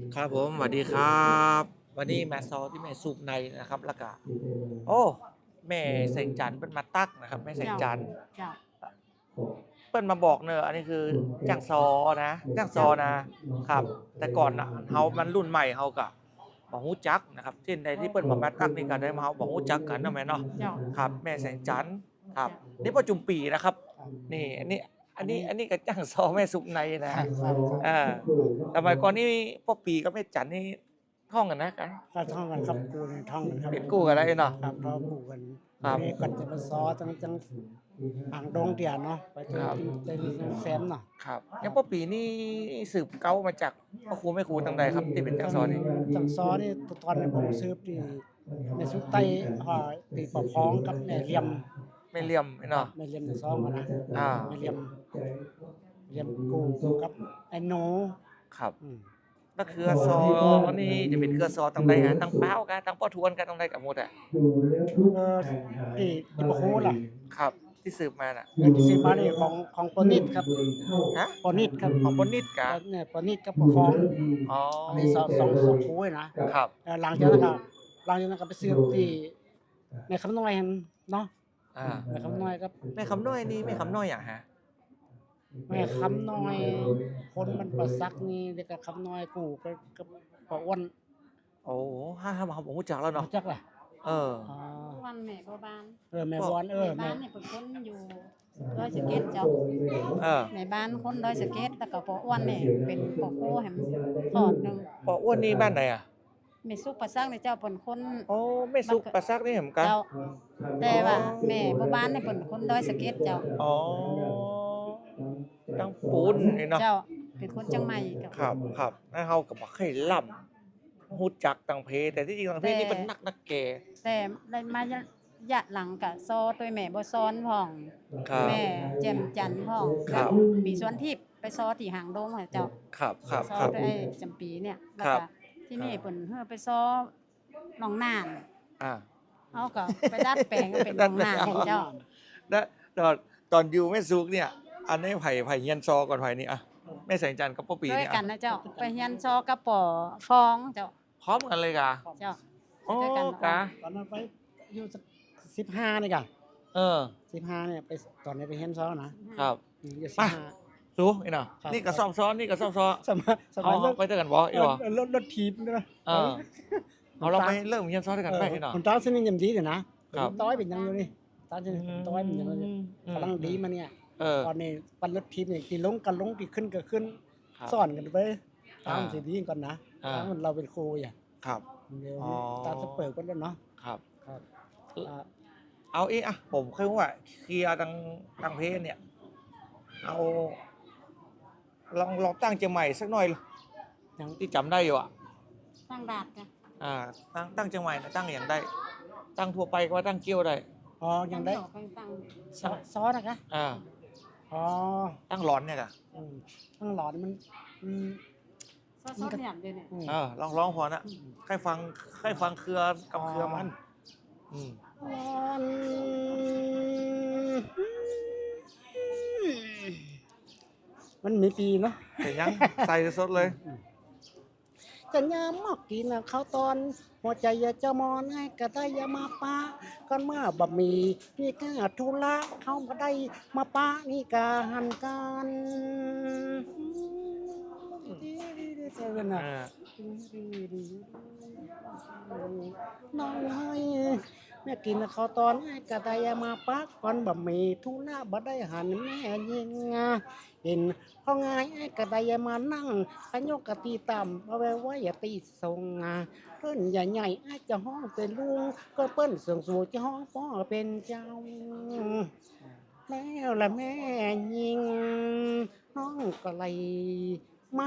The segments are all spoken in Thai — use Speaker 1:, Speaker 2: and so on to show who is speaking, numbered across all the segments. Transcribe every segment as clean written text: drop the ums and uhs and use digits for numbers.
Speaker 1: ครับผมสวัสดีครับวันนี้มาซอที่แม่สุกในนะครับแล้วก็โอ้แม่แสงจันทร์เปิ้นมาตักนะครับแม่แสง
Speaker 2: เจ้า
Speaker 1: จันทร์
Speaker 2: เจ้า
Speaker 1: เปิ้นมาบอกเนอะอันนี้คือจ้างซอนะจ้างซอ
Speaker 2: เจ้า
Speaker 1: นะครับแต่ก่อนน่ะเฮามันรุ่นใหม่เฮาก็บ่ฮู้จักนะครับที่ใดที่เปิ้นมาตักนี่ก็ได้มาเฮาบ่ฮู้จักกันเนาะแม่เนาะ
Speaker 2: เจ้า
Speaker 1: ครับแม่แสงจันทร์ครับ
Speaker 2: เจ้า
Speaker 1: นี่พ่อจุมปีนะครับนี่อันนี้ก็จ้างซอแม่สุกในนะ
Speaker 3: ครับ
Speaker 1: อาสมัยก่อนนี่พ่อปีกับแม่จันนี่ท่องกันนะกัน
Speaker 3: ก็ท่องกันครับกูนี่ท่องกันครับ
Speaker 1: เป็นกู้กันได้เนาะ
Speaker 3: ครับเรากูกัน
Speaker 1: ครับ
Speaker 3: นี่ก่อนจะมาซ้อจังอ่างดงเตียเนาะไปเจอ
Speaker 1: ครับ
Speaker 3: กินเจอแซมเนาะ
Speaker 1: ครับยังพ่อปีนี่สืบเก้ามาจากพ่อครูแม่ครูทางใดครับที่เป็นจังซอนี่
Speaker 3: จังซ้อนี่ตอนนี้ผมซื้อที่ในสุดใต้ตีปะพ้องกับแม่เหลี่ยม
Speaker 1: ไม่เหลี่ยมเนาะ
Speaker 3: แม่เหลี่ยมในซองกันนะ
Speaker 1: อ่า
Speaker 3: แม่เหลี่ยมกูกับไอ้หนู
Speaker 1: ครับ
Speaker 3: อืม
Speaker 1: แล้วเครือซอนี่จะเป็นเครือซอทางใดฮะทางเป้ากันทางพ่อทวนกันทางใดกับหมดอ่ะ
Speaker 3: ที่ปะโคล่ะ
Speaker 1: ครับที่สืบมาน่ะ
Speaker 3: แล้วที่ซื้อมานี่ของปอนิดครับ
Speaker 1: ฮะ
Speaker 3: ปอนิดครับ
Speaker 1: ของปนิดกะ
Speaker 3: เนี่ยปอนิดกับปะพ้อง
Speaker 1: อ๋อ
Speaker 3: อันนี้สองคู่เลยนะครับ หลังจากนั้นก็ไปซื้อที่ในคำน้อยหั่นเนาะ
Speaker 1: อ่า
Speaker 3: ในคำน้อยครับ
Speaker 1: แม่คำน้อยนี่แม่คำน้อยอย่างฮะ
Speaker 3: แม่คำน้อย คนมันประซักนี่เด็กกับคำน้อยกูก็ปะอ้วน
Speaker 1: โอ้ห้าผมรู้จักแล้วเนาะ
Speaker 3: รู้จักล่ะ
Speaker 1: เออ
Speaker 3: อ๋อ
Speaker 2: วันแม่บ่บ้าน
Speaker 3: แม่บอน
Speaker 2: แม่บ้า
Speaker 3: แม่
Speaker 2: นเนี่ยเป็นคนอยู่ดอยสะเก็ดเจ้า
Speaker 1: เออ
Speaker 2: แม่บ้านคนดอยสะเก็ดแล้วก็ปออ้วนเนี่ยเป็นปอโคแหมทอดหนึง
Speaker 1: ปออ้วนนี่บ้านไหนอ่ะ
Speaker 2: แม่สุกประซักเนี่ยเจ้าเป็นคน
Speaker 1: โอ้ไม่สุกประซักนี่เหมือนกัน
Speaker 2: เจ้าแต่ว่าแม่บ่บ้านเนี่ยเป็นคนดอยสะเก็ดเจ้า
Speaker 1: อ๋อตั้งปูนนี่เนาะ
Speaker 2: เจ้าเป็นคนจังใหม่กับ
Speaker 1: ครับแล้วเฮาก็บ่เคยล่ำฮู้จักตังเพแต่ที่จริงตังเพนี่เป็นนักแก่
Speaker 2: แต่ได้มาระยะหลังก็ซอตัวแม่บ่ซ้อนพ่อง
Speaker 1: ครับ
Speaker 2: แม่แจ่มจันทร์พ่อง
Speaker 1: ครับ
Speaker 2: ปีสวนทิพย์ไปซอที่หางดงอะเจ้า
Speaker 1: ครับครับ
Speaker 2: ซอ
Speaker 1: ครับ
Speaker 2: ด้วยไอ้จำปีเนี่ยแล้ว
Speaker 1: ครั
Speaker 2: ก็
Speaker 1: บ
Speaker 2: ที่นี่เพิ่นเฮือไปซอหนองน่าน
Speaker 1: อ่า
Speaker 2: เฮาก็ไปดัดแปลงเป็นหนองน่านให้เจ้า
Speaker 1: แล้วตอนอยู่แม่สุกเนี่ย อันนี้ไผ่เฮียนซอก่อนไผ่นี่อ่ะแม่แสงจันทร์กับป้าปี
Speaker 2: ด้วย
Speaker 1: เนี่ย
Speaker 2: กั
Speaker 1: อ่ะ
Speaker 2: นนะเจ้าไปเฮียนซอกระป๋อฟองเจ้า
Speaker 1: พร้อมกันเลยกะ
Speaker 2: เจ้า
Speaker 1: โอ้
Speaker 2: ด้วยกัน
Speaker 1: กะ
Speaker 3: ตอนนั้นไปอยู่15นี่กะ
Speaker 1: เออ
Speaker 3: 15เนี่ยไปตอนนี้ไปเฮ็ดซ้อนะครับ อยู่
Speaker 1: มา
Speaker 3: 15
Speaker 1: สู้นี่เนาะ
Speaker 3: ครับ
Speaker 1: นี่ก็ซ่อมซ้อนนี่ก็ซ่อมซ้อ
Speaker 3: สมัย
Speaker 1: เอาไปเจอกันบ่อีหรอ
Speaker 3: รถทีบนะ
Speaker 1: เออเอาเราไปเริ่มเฮียนซ้อนด้วยกันไปที่เนาะ
Speaker 3: คนตาสนิทยำดีเดี๋ยวนะครับ ต้อยเป็นยังอยู่นี่ตาสนิทต้อยเป็นยังอยู่กำลังดีมาเนี่ย
Speaker 1: เออ
Speaker 3: ตอนนี้ปั่นรถทีมเนี่ยที่ลงกันลงที่ขึ้นก็ขึ้น
Speaker 1: ครับ
Speaker 3: สอนกันไปตาม
Speaker 1: อ่า
Speaker 3: สิดีก่อนนะ
Speaker 1: อ่า
Speaker 3: ตามเราเป็นครูอย่าง
Speaker 1: ครับ
Speaker 3: เดี๋ยว
Speaker 1: อ๋อ
Speaker 3: ตามสเปิดกันแล้วเนาะ
Speaker 1: ครับ
Speaker 3: ครับอ่า
Speaker 1: เอาอีกอ่ะผมเคยว่าเคลียร์ทางเพจเนี่ย เอาลองตั้งเจียงใหม่สักหน่อย
Speaker 3: ยัง
Speaker 1: ที่จำได้อยู่อ่ะ
Speaker 2: ตั้งดาดจ้ะ
Speaker 1: ตั้งเจียงใหม่นะตั้งอย่างได้ ตั้งทั่วไปก็ว่าตั้งเกี้ยวได้
Speaker 3: อ๋อยังได้
Speaker 2: ตั้ง
Speaker 3: ซ้อนนะคะ
Speaker 1: อ่า
Speaker 3: อ๋อ
Speaker 1: ตั้งร้อนเนี่ยกะ
Speaker 3: ตั้งหลอดมันอืม
Speaker 2: ซอสเนี่ยเดี๋ยวนี้
Speaker 3: อืม
Speaker 1: ลองพอนะใครฟังเครือกับเครือมัน อืม
Speaker 3: ร้อนมันมีปีเนาะ
Speaker 1: แต่ยัง ใส่สดเลย
Speaker 3: จะยามมอกกินนะข้าวตอนหัวใจอยากจะมอนให้กระได้อยามาปะก่อนเมื่อบะหมี่นี่กาทุละเขามาได้มาปะนี่กาหันกันเจอกันนะ น้องให้แม่กินข้าวตอนให้กระไดมาปักก่อนบะหมี่ทุละบ่ได้หันแม่ยิงเห็นห้องไงไอ้กระไดมานั่งขยกกะตีต่ำเอาไว้ไว้อย่าตีทรงเพิ่นใหญ่ๆไอ้จะห้องเป็นลุงก็เปิ้นเสียงสูงจะห้องพ่อเป็นเจ้าแล้วละแม่ยิงน้องก็เลยมา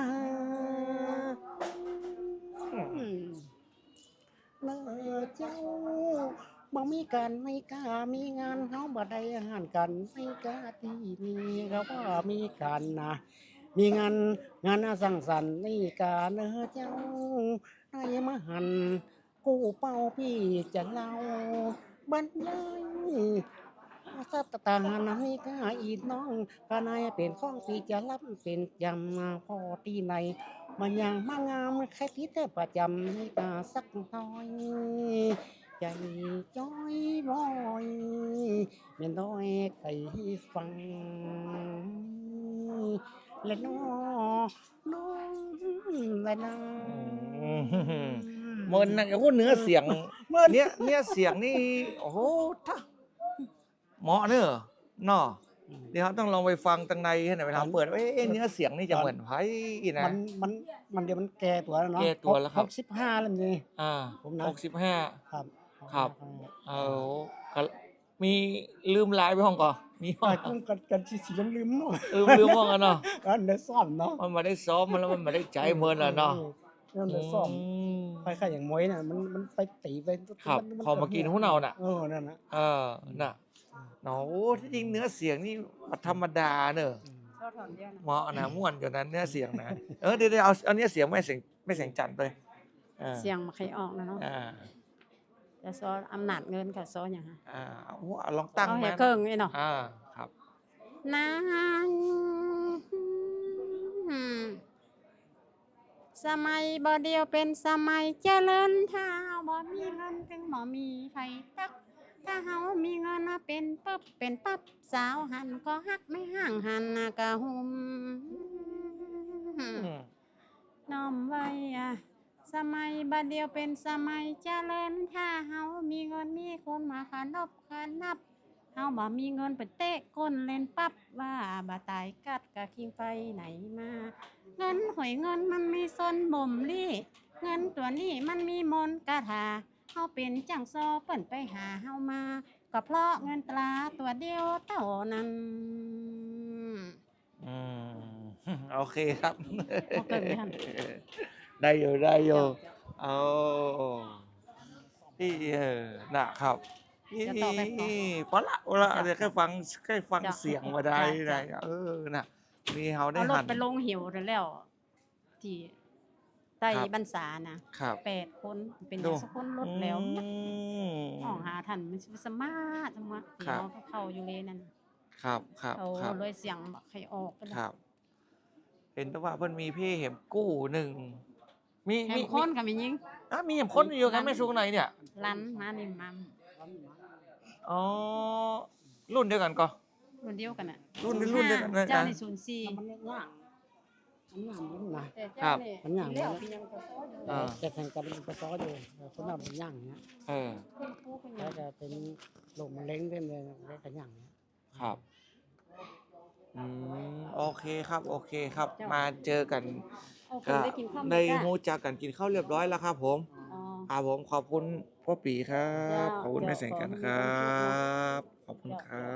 Speaker 3: เลิกเจ้าบ่มีการไม่กล้ามีงานเฮาบ่ได้อาหารกันไม่กล้าที่นี่เขาว่ามีการนะมีงานสังสรรค์นี่การเจ้าได้มาหันกู้เป้าพี่จะเล่าบรรยายสัตตานามีกาอีน้องกานายเป็นข้องพี่จะรับเป็นจำพ่อที่ไหนมันยังมางามแค่ที่แต่ประจำนี่ตาสักหน่อยใจจ้อยบ่อยเมียน้อยใครฟังและน้องและน้อง
Speaker 1: เมินนะโอ้โหเนื้อเสียงเนื้อเสียงนี่โอ้โหถ้าเหมาะเนอะเนาะเดี๋ยวต้องลองไปฟังตั้งในให้หน่อยไปทำเปิดว่าเนื้อเสียงนี่จะเหมือนไพ่นะ
Speaker 3: มันเดี๋ยวมันแก่ตัวแล้วเนาะ
Speaker 1: แก่ตัวแล้วครับ
Speaker 3: 65แล้วนี่ ผมนะ
Speaker 1: 65
Speaker 3: ครับ
Speaker 1: ครับ เอาก็มีลืมไลน์ไปห้องก่อนมีห้อง
Speaker 3: กันสีลืมๆเนาะ
Speaker 1: ลืมห้องกันเนาะ
Speaker 3: อันเดซ่อมเนาะ
Speaker 1: มันมาได้ซ้อมมันแล้วมันมาได้ใจเมินแล้วเนาะ
Speaker 3: อันเดซ่อมคล้ายๆอย่างมวยน่ะมันไปตีไป
Speaker 1: ครับพอมากินหุ้นเอาน่ะ
Speaker 3: นั่นน่ะ
Speaker 1: น่ะเนาะโอ้ที่จริงเนื้อเสียงนี่ธรรมดาเนอะ
Speaker 2: ชอบถอนเยอะนะ
Speaker 1: เหมาะนะม่วนอยู่นั้นเนื้อเสียงนะเดี๋ยวเอาเนื้อเสียงไม่เสียงจันทร์ไป
Speaker 2: เสียงมาใครออกนะเนาะ
Speaker 1: อ่า
Speaker 2: แต่ซออำนาจเงินกับซออย่างฮะ
Speaker 1: โอ้ลองตั้ง
Speaker 2: เอา
Speaker 1: ไหม
Speaker 2: แห่เกิงนี่เนาะ
Speaker 1: ครับ
Speaker 2: นางสมัยบ่เดียวเป็นสมัยเจริญถ้าเฮาบ่มีเงินถึงบ่มีไผตักถ้าเฮามีเงินน่ะเป็นปึ๊บเป็นปั๊บสาวหันก็ฮักไม่ห่างหันน่ะกะหุมน้อมไว้สมัยบัดเดียวเป็นสมัยเจริญถ้าเฮามีเงินมีคนมาขานบขานนับเฮาบ่มีเงินไปเตะก้นเล่นปั๊บว่าบ่ตายกัดกะคิงไปไหนมาเงินหอยเงินมันมีซนบ่มลี่เงินตัวนี้มันมีมนต์กะถาเฮาเป็นจังซอเปิ้นไปหาเฮามาก็เพราะเงินตราตัวเดียวเท่านั้น
Speaker 1: โอเคครับ
Speaker 2: เอาเกินไม่ทัน
Speaker 1: ได้อยู่เอาที่นะครับพอละเดี๋ยวแค่ฟังเสียงมาได้น่ะมีเฮาได้
Speaker 2: เอาร
Speaker 1: หั
Speaker 2: ถ
Speaker 1: น
Speaker 2: ไปลงหิวแล้วที่ไต้บรรษานะครับ8คนเป็นอย่างสักคนรถแล้วห้องหาทันมันสมาร์ทจังวะที่เราเข้าอยู่เลยนั่น
Speaker 1: ครับ
Speaker 2: เอาเลยเสียงบักใครออกกัน
Speaker 1: ครับ เห็นแต่ว่าเพิ่นมีเพ่เห็มกู้หนึ่งมี
Speaker 2: แถมคนกับมียิง
Speaker 1: มีเห็มคนอยู่กันแม่สูงไหนเนี่ย
Speaker 2: ลันมานี่มัม
Speaker 1: อ๋อรุ่นเดียวกันก็
Speaker 2: รุ่นเดียวกันน่ะ
Speaker 1: รุ่นเดียวกันนะ
Speaker 2: เจ้าใน
Speaker 3: มัน
Speaker 2: 04
Speaker 3: ย่างมันนะ
Speaker 2: แต่เจ้านี่
Speaker 3: มันย่าง
Speaker 2: แล้วเป็นยังก็ซ้ออยู่
Speaker 3: แต่แข่งกันเป็นซ้ออยู่คนนั้นมันย่างเนี้ย
Speaker 2: คุณครูคุณห
Speaker 3: แล้
Speaker 2: ยั
Speaker 3: ว
Speaker 2: ง
Speaker 3: จะเป็นลมเล้งเล่นเลยแล้วก็ย่างเนี้ย
Speaker 1: ครับโอเคครับมาเจอกัน
Speaker 2: เอาคุ
Speaker 1: ก็
Speaker 2: ณได้กินข้าว
Speaker 1: ได้
Speaker 2: จ้ะ
Speaker 1: รู้จักกันกินข้าวเรียบร้อยแล้วครับผม
Speaker 2: อ๋อ
Speaker 1: ผมขอบคุณพ่อปีครั
Speaker 2: เจ้า
Speaker 1: บขอบคุณแม่แสงกัน
Speaker 2: เจ้า
Speaker 1: ครับ ขอบคุณครับ